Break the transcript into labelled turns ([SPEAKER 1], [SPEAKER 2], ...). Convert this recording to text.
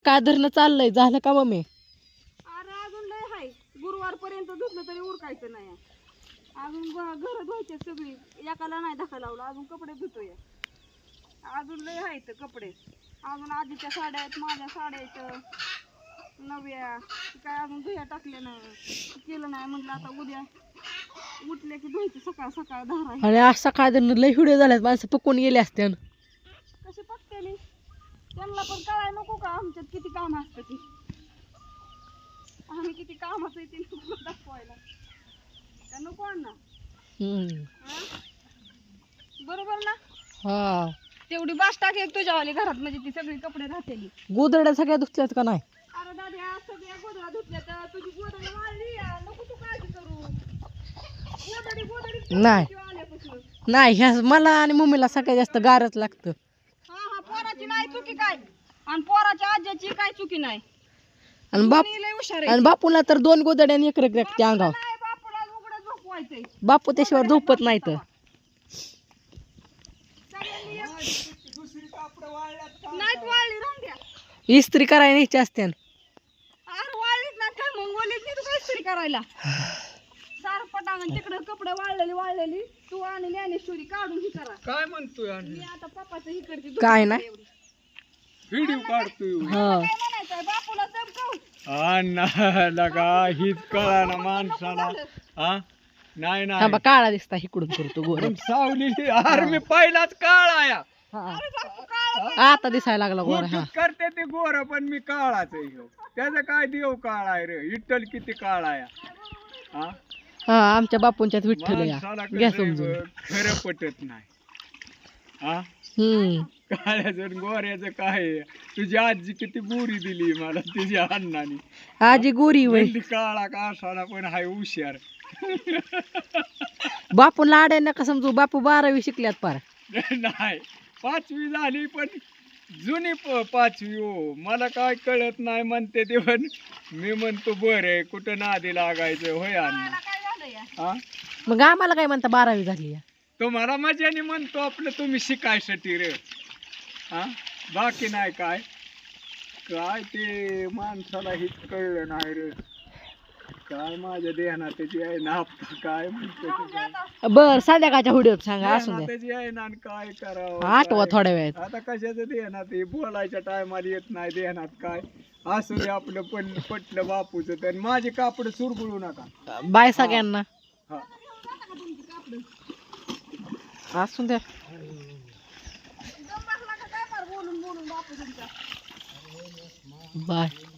[SPEAKER 1] काय धरणं चाललंय झालं का मम्मी?
[SPEAKER 2] अरे अजून लय हाय, गुरुवार पर्यंत धुतलं तरी उरकायचं नाही. अजून घर धुवायचे सगळी, एकाला नाही धक्का लावला, अजून कपडे धुतोय. अजून लय आहेत कपडे, अजून आजीच्या साड्या आहेत, माझ्या साड्या आहेत नव्या, काय अजून धुया टाकले नाही, केलं नाही. म्हटलं आता उद्या उठले की धुवायचे सकाळ सकाळ धारा.
[SPEAKER 1] आणि आज सकाळ लय व्हिडिओ झाल्यात, माणसं पकून गेले असते.
[SPEAKER 2] कशी पटकेली त्यांना पण कळाय नको का आमच्यात किती काम असतं ती, आम्ही किती कामाचं आहे ते नको दाखवायला का नको अण्णा? बरोबर ना?
[SPEAKER 1] हा
[SPEAKER 2] तेवढी बास टाक एक तुझ्यावाली घरात, म्हणजे ती सगळी कपडे राहतेली.
[SPEAKER 1] गोदड्या सगळ्या धुतल्यात का नाही?
[SPEAKER 2] अरे दादी आज सगळ्या गोधड्या धुतल्या, तर तुझी गोधडी वाळली, नको तू काळजी करू. गोधडी
[SPEAKER 1] नाही
[SPEAKER 2] आल्यापासून
[SPEAKER 1] नाही, ह्या मला आणि मम्मीला सगळ्यात जास्त गारच लागतं.
[SPEAKER 2] हा पोराची नाही चुकी काय, आणि पोराच्या आज्याची काय चुकी नाही.
[SPEAKER 1] आणि बाप
[SPEAKER 2] दोन्ही लय हुशार
[SPEAKER 1] आणि बापूला तर 2 गोदड्या आणि एक रगरगते अंगावर.
[SPEAKER 2] नाही, बापूला उघडं झोपवायचंय.
[SPEAKER 1] बापू त्याशिवाय झोपत नाही तर.
[SPEAKER 2] नाहीत वाळली, राहून द्या.
[SPEAKER 1] इस्त्री करायला न्यायची असते.
[SPEAKER 2] अरे वाळलीच ना काय, मग ओलीच नाही तू काय इस्त्री करायला. सार पटांगण तिकडं कपडे वाळलेली तू आणि ज्ञानेश्वरी काढून ही करा.
[SPEAKER 3] काय म्हणतोय
[SPEAKER 2] मी आता पप्पाचं ही करते.
[SPEAKER 1] काय नाही.
[SPEAKER 3] व्हिडिओ काढतोय
[SPEAKER 1] हा
[SPEAKER 2] काय म्हणायचंय बापूला चमकव.
[SPEAKER 3] अण्णा लगा हीच कळा ना माणसाला. हा नाही
[SPEAKER 1] थांबा,
[SPEAKER 3] नाही
[SPEAKER 1] काळा दिसता इकडून करतो गोर.
[SPEAKER 3] पण सावली अरे मी पहिलाच काळा या
[SPEAKER 2] अरे बापू काळ
[SPEAKER 1] आता दिसायला लागला गोर. हा
[SPEAKER 3] फोटोत करते ते गोर, पण मी काळाच आहे ह्यो. त्याचं काय देव काळा आहे रे, इट्टल किती काळा या. हा
[SPEAKER 1] हा आमच्या बापूंच्यात विठ्ठल या,
[SPEAKER 3] माणसाला
[SPEAKER 1] घ्या
[SPEAKER 3] कसं
[SPEAKER 1] समजून.
[SPEAKER 3] खरं पटत नाही. हा काळ्याचं आणि गोऱ्याचं काय आहे? तुझी आजी किती गोरी दिली मला तुझ्या अण्णाने.
[SPEAKER 1] आजी गोरी वय.
[SPEAKER 3] म्हणली काळा का असाला पण हाय हुशार.
[SPEAKER 1] बापूला आड्या नका समजू, बापू 12वी शिकल्यात पार.
[SPEAKER 3] नाही 5वी झाली, पण जुनी 5वी हो. मला काय कळत नाही म्हणते ते, पण मी म्हणतो बरं आहे, कुठं नादी लागायचं होय अण्णा.
[SPEAKER 2] काय झालं या?
[SPEAKER 3] हा
[SPEAKER 1] मग आम्हाला काय म्हणता 12वी झाली.
[SPEAKER 3] तुम्हाला मजाने म्हणतो आपलं, तुम्ही शिकायसाठी रे. हा बाकी नाही काय. काय ते माणसाला हेच कळलं नाही रे. काय माझ्या देहना त्याची आहे ना, काय म्हणतो ते काय.
[SPEAKER 1] बर संध्याकाळच्या व्हिडिओत सांगा, असू
[SPEAKER 3] देहना
[SPEAKER 1] द्या.
[SPEAKER 3] त्याची आहे ना, आणि काय करावं
[SPEAKER 1] आठवा
[SPEAKER 3] काय.
[SPEAKER 1] थोड्या वेळात.
[SPEAKER 3] आता कशाचं देहनात हे बोलायच्या टायमाला येत नाही देहनात काय. असू दे आपलं पटलं बापूचं, तर माझे कापड सुरगुळू नका.
[SPEAKER 1] बाय सगळ्यांना.
[SPEAKER 3] हा
[SPEAKER 1] असू द्या.
[SPEAKER 2] दम बसला का काय फार बोलून बापू तुमचा.
[SPEAKER 1] बाय.